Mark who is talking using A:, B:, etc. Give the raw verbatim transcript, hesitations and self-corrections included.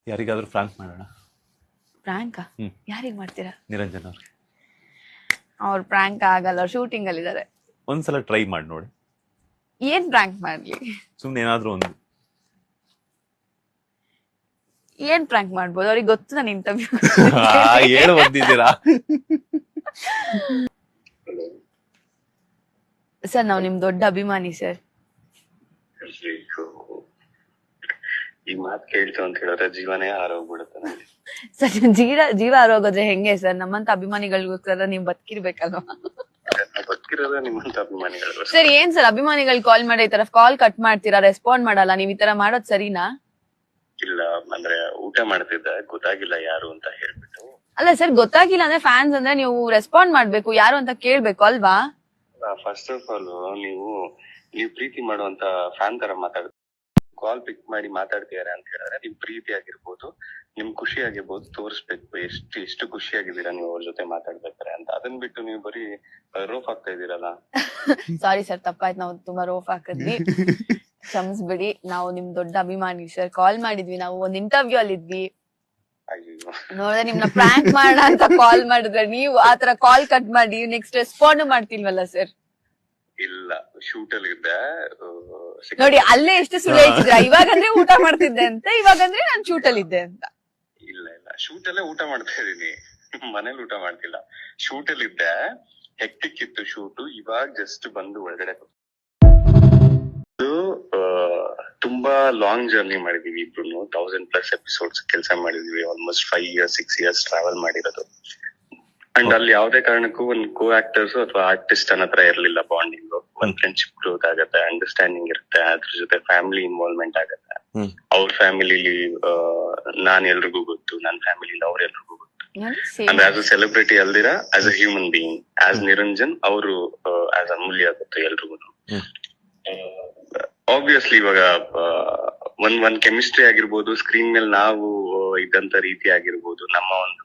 A: ಯಾರಿಗಾದ್ರೂ ಫ್ರಾಂಕ್ ಮಾಡೋಣ.
B: ಪ್ರಾಂಕ್ ಯಾರಿಗ್ ಮಾಡ್ತೀರಾ?
A: ನಿರಂಜನ್ ಅವ್ರಿಗೆ.
B: ಅವ್ರ ಪ್ರಾಂಕ್ ಆಗಲ್ಲ, ಶೂಟಿಂಗ್ ಅಲ್ಲಿ ಇದಾರೆ.
A: ಒಂದ್ಸಲ ಟ್ರೈ ಮಾಡಿ ನೋಡಿ.
B: ಏನ್ ಪ್ರಾಂಕ್ ಮಾಡ್ಲಿ?
A: ಸುಮ್ನೆ ಏನಾದ್ರೂ ಒಂದು.
B: ಏನ್ ಪ್ರಾಂಕ್ ಮಾಡ್ಬೋದು? ಅವ್ರಿಗೆ ಗೊತ್ತು ನಾನು ಇಂಟರ್ವ್ಯೂ
A: ಹೇಳು ಬಂದಿದ್ದೀರಾ.
B: ಸರ್ ನಾವು ನಿಮ್ ದೊಡ್ಡ ಅಭಿಮಾನಿ ಸರ್.
C: ಈ ಮಾತ್ ಕೇಳ್ತು ಅಂತ ಹೇಳಿದ್ರೆ ಜೀವನೇ ಆರೋಗ್ಬಿಡುತ್ತೆ ನನಗೆ.
B: ಸರ್ ಜೀವ ಜೀವ ಆರೋಗೋದ್ರೆ ಹೆಂಗೆ ಸರ್? ನಮ್ಮಂತ ಅಭಿಮಾನಿಗಳಿಗೋಸ್ಕರ ನೀವು ಬದುಕಿರ್ಬೇಕಲ್ವಾ?
C: ಬದುಕಿರೋದೇ ನಿಮ್ಮಂತ ಅಭಿಮಾನಿಗಳು.
B: ಸರ್ ಏನ್ ಸರ್ ಅಭಿಮಾನಿಗಳು ಕಾಲ್ ಮಾಡಿ ಈ ತರ ಕಾಲ್ ಕಟ್ ಮಾಡ್ತೀರಾ, ರೆಸ್ಪಾಂಡ್ ಮಾಡಲ್ಲ, ನೀವ್ ಈ ತರ ಮಾಡೋದ್ ಸರಿನಾ?
C: ಇಲ್ಲ ಅಂದ್ರೆ ಊಟ ಮಾಡ್ತಿದ್ದ ಗೊತ್ತಾಗಿಲ್ಲ ಯಾರು ಅಂತ ಹೇಳ್ಬಿಟ್ಟು.
B: ಅಲ್ಲ ಸರ್ ಗೊತ್ತಾಗಿಲ್ಲ ಅಂದ್ರೆ ಫ್ಯಾನ್ಸ್ ಅಂದ್ರೆ ನೀವು ರೆಸ್ಪಾಂಡ್ ಮಾಡ್ಬೇಕು, ಯಾರು ಅಂತ ಕೇಳ್ಬೇಕು ಅಲ್ವಾ?
C: ಫಸ್ಟ್ ಆಫ್ ಆಲ್ ನೀವು ನೀವು ಪ್ರೀತಿ ಮಾಡುವಂತ ಫ್ಯಾನ್ ತರ ಮಾತಾಡ ಕಾಲ್ ಪಿಕ್ ಮಾಡಿ ಮಾತಾಡ್ತಿದಾರೆ ಅಂತ ಹೇಳಿದ್ರೆ ನಿಮ್ ಪ್ರೀತಿ ಆಗಿರ್ಬೋದು, ನಿಮ್ ಖುಷಿ ಆಗಿರ್ಬೋದು ತೋರಿಸ್ಬೇಕು. ಎಷ್ಟು ಎಷ್ಟು ಖುಷಿ ಆಗಿದ್ದೀರಾ ನೀವು ಅವ್ರ ಜೊತೆ ಮಾತಾಡ್ಬೇಕಾರೆ ಅಂತ. ಅದನ್ ಬಿಟ್ಟು ನೀವು ಬರೀ ರೋಫ್ ಆಗ್ತಾ ಇದೀರಲ್ಲ.
B: ಸಾರಿ ಸರ್, ತಪ್ಪಾಯ್ತು, ನಾವು ತುಂಬಾ ರೋಫ್ ಹಾಕಿದ್ವಿ, ಕ್ಷಮಿಸ್ಬಿಡಿ. ನಾವು ನಿಮ್ ದೊಡ್ಡ ಅಭಿಮಾನಿ ಸರ್. ಕಾಲ್ ಮಾಡಿದ್ವಿ, ನಾವು ಒಂದ್ ಇಂಟರ್ವ್ಯೂ ಅಲ್ಲಿ ಇದ್ವಿ, ನೋಡಿದ್ರೆ ನಿಮ್ನ ಪ್ರಾಂಕ್ ಮಾಡೋಣ ಅಂತ ಕಾಲ್ ಮಾಡಿದ್ರೆ ನೀವು ಆತರ ಕಾಲ್ ಕಟ್ ಮಾಡಿ ನೆಕ್ಸ್ಟ್ ರೆಸ್ಪಾಂಡ್ ಮಾಡ್ತಿಲ್ವಲ್ಲ ಸರ್?
C: ಇಲ್ಲ ಶೂಟ್ ಅಲ್ಲಿ ಇದ್ದೆ
B: ನೋಡಿ, ಅಲ್ಲೇ ಎಷ್ಟು ಸುಳ್ಳು ಹೇಳ್ತಿದ್ರ. ಇವಾಗಂದ್ರೆ ಊಟ ಮಾಡ್ತಿದ್ದೆ ಅಂತ, ಇವಾಗಂದ್ರೆ ನಾನ್ ಶೂಟ್ ಅಲ್ಲಿ ಇದ್ದೆ ಅಂತ.
C: ಇಲ್ಲ ಇಲ್ಲ ಶೂಟ್ ಅಲ್ಲೇ ಊಟ ಮಾಡ್ತಾ ಇದೀನಿ, ಮನೇಲಿ ಊಟ ಮಾಡ್ತಿಲ್ಲ. ಶೂಟ್ ಅಲ್ಲಿ ಇದ್ದೆ, ಹೆಕ್ಟಿಕ್ ಇತ್ತು ಶೂಟ್. ಇವಾಗ ಜಸ್ಟ್ ಬಂದು ಒಳಗಡೆ ತುಂಬಾ ಲಾಂಗ್ ಜರ್ನಿ ಮಾಡಿದೀವಿ ಇಬ್ರು. ತೌಸಂಡ್ ಪ್ಲಸ್ ಎಪಿಸೋಡ್ಸ್ ಕೆಲಸ ಮಾಡಿದೀವಿ. Almost five years six years travel ಮಾಡಿರೋದು. ಅಂಡ್ ಅಲ್ಲಿ ಯಾವ್ದೇ ಕಾರಣಕ್ಕೂ ಒಂದ್ ಕೋ ಆಕ್ಟರ್ಸ್ ಅಥವಾ ಆರ್ಟಿಸ್ಟ್ ಅನ್ನೋ ಹತ್ರ ಇರ್ಲಿಲ್ಲ ಬಾಂಡಿಂಗ್. ಒಂದ್ ಫ್ರೆಂಡ್ಶಿಪ್ ಗ್ರೋತ್ ಆಗತ್ತೆ, ಅಂಡರ್ಸ್ಟ್ಯಾಂಡಿಂಗ್ ಇರುತ್ತೆ, ಅದ್ರ ಜೊತೆ ಫ್ಯಾಮಿಲಿ ಇನ್ವಾಲ್ವ್ಮೆಂಟ್ ಆಗತ್ತೆ. ಅವ್ರ ಫ್ಯಾಮಿಲಿಲಿ ನಾನ್ ಎಲ್ರಿಗೂ ಗೊತ್ತು, ನನ್ ಫ್ಯಾಮಿಲಿಯಿಂದ ಅವ್ರ ಎಲ್ರಿಗೂ ಗೊತ್ತು. ಅಂದ್ರೆ ಆಸ್ ಅ ಸೆಲೆಬ್ರಿಟಿ ಅಲ್ದಿರ as a human being, as Niranjan ಅವರು ಆಸ್ ಅಮೂಲ್ಯ ಗೊತ್ತು ಎಲ್ರಿಗೂ. ಆಬ್ವಿಯಸ್ಲಿ ಇವಾಗ ಒಂದ್ ಒಂದ್ ಕೆಮಿಸ್ಟ್ರಿ ಆಗಿರ್ಬೋದು, ಸ್ಕ್ರೀನ್ ಮೇಲೆ ನಾವು ಇದ್ದಂತ ರೀತಿ ಆಗಿರ್ಬೋದು, ನಮ್ಮ ಒಂದು